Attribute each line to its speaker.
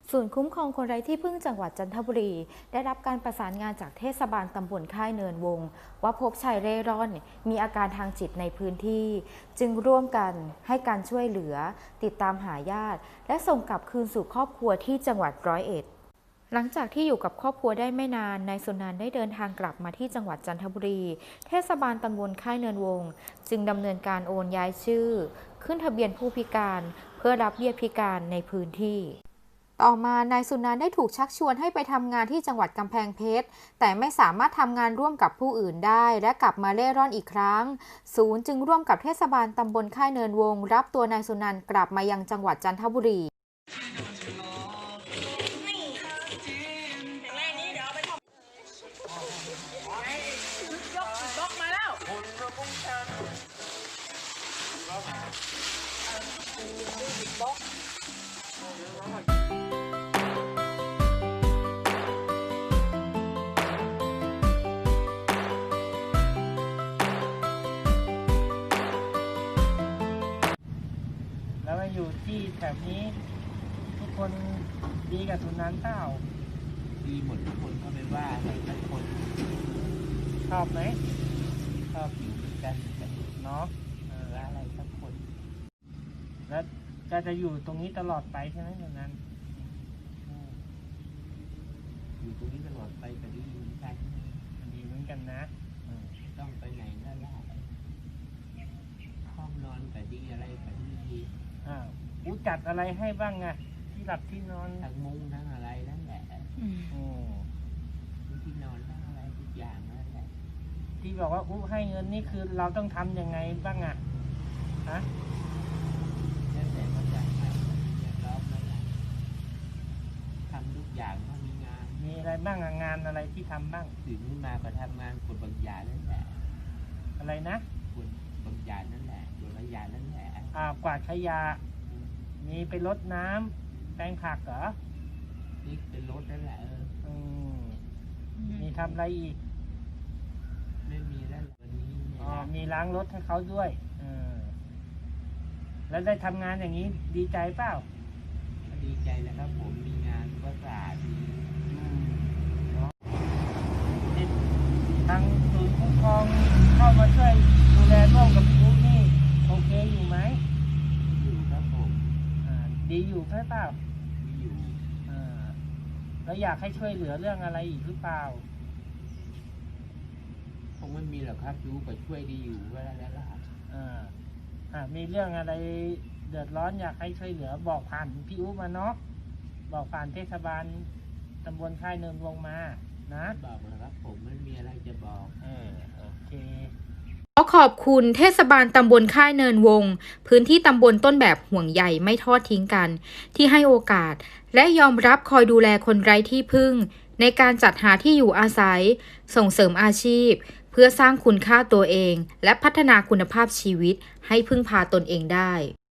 Speaker 1: ศูนย์คุ้มครองคนไร้ที่พึ่งจังหวัดจันทบุรีได้รับการประสานงานจากเทศบาลตำบลค่ายเนินวงว่าพบชายเร่ร่อนมีอาการทางจิตในพื้นที่ จึงร่วมกันให้การช่วยเหลือติดตามหาญาติและส่งกลับคืนสู่ครอบครัวที่จังหวัด101หลังจากที่อยู่กับครอบครัวได้ไม่นานนายสุนันท์ได้เดินทางกลับมาที่จังหวัดจันทบุรีเทศบาลตำบลค่ายเนินวงจึงดำเนินการโอนย้ายชื่อขึ้นทะเบียนผู้พิการเพื่อรับเบี้ยพิการในพื้นที่ต่อมานายสุนันท์ได้ถูกชักชวนให้ไปทำงานที่จังหวัดกำแพงเพชรแต่ไม่สามารถทำงานร่วมกับผู้อื่นได้และกลับมาเร่ร่อนอีกครั้งศูนย์จึงร่วมกับเทศบาลตำบลค่ายเนินวงรับตัวนายสุนันท์กลับมายังจังหวัดจันทบุรี
Speaker 2: แล้วมาอยู่ที่แบบนี้ทุกคนดีกับสุนันท์เปล่า
Speaker 3: ดีหมดทุกคนก็ไม่ว่าอะไรสักคน
Speaker 2: ชอบไหม
Speaker 3: ชอบอยู่ด้วยกัน
Speaker 2: เนาะ
Speaker 3: ว่าอะไรสักคน
Speaker 2: แล้วจะอยู่ตรงนี้ตลอดไปใช่ไหมสุนันท์
Speaker 3: อยู่ตรงนี้ตลอดไปก็ดีเหมือนกัน
Speaker 2: ดีเหมือนกันนะ
Speaker 3: ต้องไปไหนก็ได้ห้องนอนก็ดีอะไรก็ดี
Speaker 2: จัดอะไรให้บ้างอะที่หลับที่นอน
Speaker 3: ทั้งมุ้งทั้งอะไรนั่นแหละที่นอนทั้งอะไรทุกอย่างนั่นแหละ
Speaker 2: ที่บอกว่าให้เงินนี่คือเราต้องทำยังไงบ้างอะฮะ
Speaker 3: แล้วแต่เขาจ่ายให้เรียบร้อยแล้วแหละทำทุกอย่างถ้ามีงาน
Speaker 2: มีอะไรบ้างงานอะไรที่ทำบ้าง
Speaker 3: ตื่นขึ้นมาก็ทำงานกดบางอย่างนั่นแหละ
Speaker 2: อะไรนะ
Speaker 3: กดบางอย่างนั่นแหละกดบางอย่างนั่นแหละ
Speaker 2: กวาดขยะมีไปรดน้ำแปลงผักเหรอ
Speaker 3: นี่เป็นรถนั่นแหละ
Speaker 2: มีทำอะไรอีก
Speaker 3: ไม่มีแล้ววันนี้
Speaker 2: มีล้างรถให้เขาด้วยแล้วได้ทำงานอย่างนี้ดีใจเปล่า
Speaker 3: ดีใจแล้วครับผมมีงานก็สะอาดดี
Speaker 2: ทางศูนย์คุ้มครองเข้ามาช่วยดูแลร่วมกับลูกนี่โอเคอยู่ไหม
Speaker 3: อยู่ครับผม
Speaker 2: ดีอยู่ใช่เปล่า
Speaker 3: ดีอยู่
Speaker 2: แล้วอยากให้ช่วยเหลือเรื่องอะไรอีกหรือเปล่า
Speaker 3: คงไม่มีหรอกครับรู้ก็ช่วยดีอยู่เวลาแล้วล่ะ
Speaker 2: มีเรื่องอะไรเดือดร้อนอยากให้ช่วยเหลือบอกผ่านพี่อุ๊มาเนาะบอกผ่านเทศบาลตำบลค่ายเนินวงมานะ
Speaker 3: บอกเลยครับผมไม่มีอะไรจะบอก
Speaker 2: โอเค
Speaker 1: ขอขอบคุณเทศบาลตำบลค่ายเนินวงพื้นที่ตำบลต้นแบบห่วงใยไม่ทอดทิ้งกันที่ให้โอกาสและยอมรับคอยดูแลคนไร้ที่พึ่งในการจัดหาที่อยู่อาศัยส่งเสริมอาชีพเพื่อสร้างคุณค่าตัวเองและพัฒนาคุณภาพชีวิตให้พึ่งพาตนเองได้